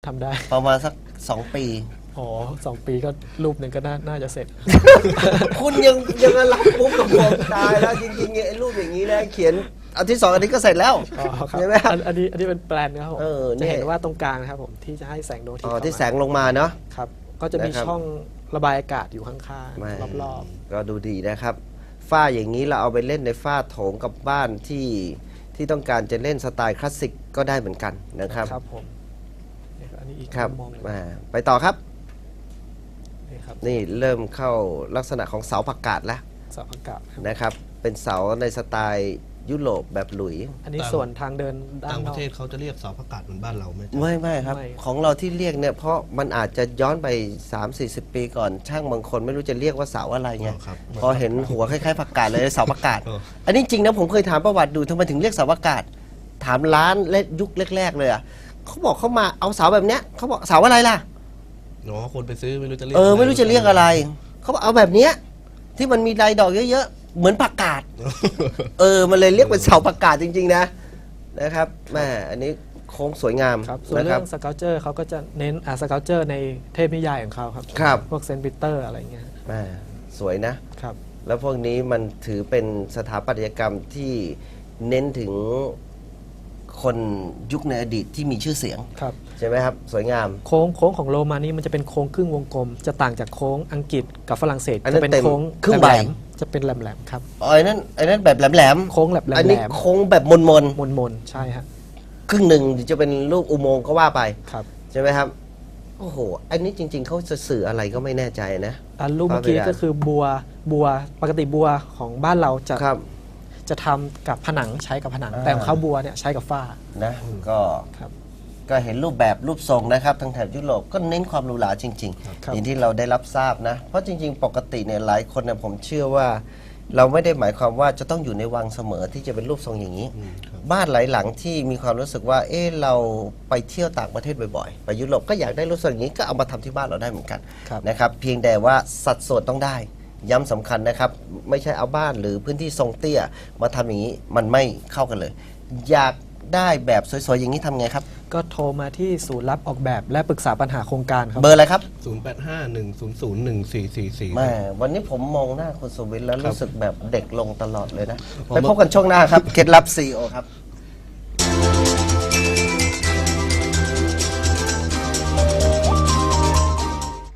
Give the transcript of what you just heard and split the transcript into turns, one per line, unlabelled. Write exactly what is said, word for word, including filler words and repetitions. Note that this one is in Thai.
ทำได้
ประมาณสักสองปี
อ๋อสองปีก็รูปหนึ่งก็น่าน่าจะเสร็จ
คุณยังยังรับปุ๊บกับผมตายแล้วจริงๆไอ้รูปอย่างนี้นะเขียนอันที่สองอันนี้ก็เสร็จแล้วใช่ไหมครับ
อันนี้อันนี้เป็นแปลนนะครับผมจะเห็นว่าตรงกลางนะครับผมที่จะให้แสงดวงอาทิตย์
ที่แสงลงมาเนาะ
ครับก็จะมีช่องระบายอากาศอยู่ข้างๆรอบ
ๆก็ดูดีนะครับฝ้าอย่างนี้เราเอาไปเล่นในฝ้าโถงกับบ้านที่ที่ต้องการจะเล่นสไตล์คลาสสิกก็ได้เหมือนกันนะครับ
ครับผมอันนี้อีก
ครับ
มอง
ไปต่อครับนี่เริ่มเข้าลักษณะของเสาผักกาดแล้ว
เสาผักกาด
นะครับเป็นเสาในสไตล์ยุโรปแบบหลุย
อันนี้ส่วนทางเดิน
ต่างประเทศเขาจะเรียกเสาผักกาดเหมือนบ้านเราไหม
ไม่ไม่ครับของเราที่เรียกเนี่ยเพราะมันอาจจะย้อนไป สามสี่สิบ ปีก่อนช่างบางคนไม่รู้จะเรียกว่าเสาอะไรไงพอเห็นหัวคล้ายๆผักกาดเลยเสาผักกาดอันนี้จริงนะผมเคยถามประวัติดูทำไมถึงเรียกเสาผักกาดถามร้านเล็กยุคแรกๆเลยอ่ะเขาบอกเขามาเอาเสาแบบเนี้ยเขาบอกเสาอะไรล่ะ
อ๋อคนไปซื้อไม่รู้จะเรียก
เออไม่รู้จะเรียกอะไรเขาบอกเอาแบบเนี้ยที่มันมีลายดอกเยอะๆเหมือนผักกาดเออมันเลยเรียกเป็นเสาผักกาดจริงๆนะนะครับแม่อันนี้โค้งสวยงาม
ครับส่วนเรื่องสเกลเจอร์เขาก็จะเน้นอ่าสเกลเจอร์ในเทพนิยายของเขาครับ
ครับ
พวกเซนต์ปีเตอร์อะไรเงี้ย
แม่สวยนะครับแล้วพวกนี้มันถือเป็นสถาปัตยกรรมที่เน้นถึงคนยุคในอดีตที่มีชื่อเสียงใช่ไหมครับสวยงาม
โค้งโค้งของโรมานี่มันจะเป็นโค้งครึ่งวงกลมจะต่างจากโค้งอังกฤษกับฝรั่งเศสจะเป็นโค้ง
ครึ่งใบ
จะเป็นแหลมๆครับ
อ๋อไอ้นั่นไอ้นั่นแบบแหลม
ๆโค้งแหลมๆ
อันนี้โค้งแบบมนมน
มนมนใช่ฮะ
ครึ่งหนึ่งจะเป็นรูปอุโมงค์ก็ว่าไป
ครับ
ใช่ไหมครับโอ้โหอันนี้จริงๆเขาจะสื่ออะไรก็ไม่แน่ใจนะ
อันรูปเมื่อกี้ก็คือบัวบัวปกติบัวของบ้านเราจะจะทำกับผนังใช้กับผนังแต่ของเขาบัวเนี่ยใช้กับฝ้า
นะก็ก็เห็นรูปแบบรูปทรงนะครับทางแถบยุโรปก็เน้นความหรูหราจริงๆอย่างที่เราได้รับทราบนะเพราะจริงๆปกติเนี่ยหลายคนเนี่ยผมเชื่อว่าเราไม่ได้หมายความว่าจะต้องอยู่ในวังเสมอที่จะเป็นรูปทรงอย่างนี้บ้านหลายหลังที่มีความรู้สึกว่าเออเราไปเที่ยวต่างประเทศบ่อยๆไปยุโรปก็อยากได้รูปทรงอย่างนี้ก็เอามาทำที่บ้านเราได้เหมือนกันนะครับเพียงแต่ว่าสัดส่วนต้องได้ย้ำสำคัญนะครับไม่ใช่เอาบ้านหรือพื้นที่ทรงเตี้ยมาทำอย่างนี้มันไม่เข้ากันเลยอยากได้แบบสวยๆอย่างนี้ทำไงครับ
ก็โทรมาที่ศูนย์รับออกแบบและปรึกษาปัญหาโครงการครับ
เบอร์อะไรครับ
ศูนย์ แปด ห้า หนึ่ง ศูนย์ ศูนย์ หนึ่ง สี่ สี่ สี่
แม่วันนี้ผมมองหน้าคุณสุวิทย์แล้วรู้สึกแบบเด็กลงตลอดเลยนะไปพบกันช่วงหน้าครับเคล็ดลับซีอีโอครับ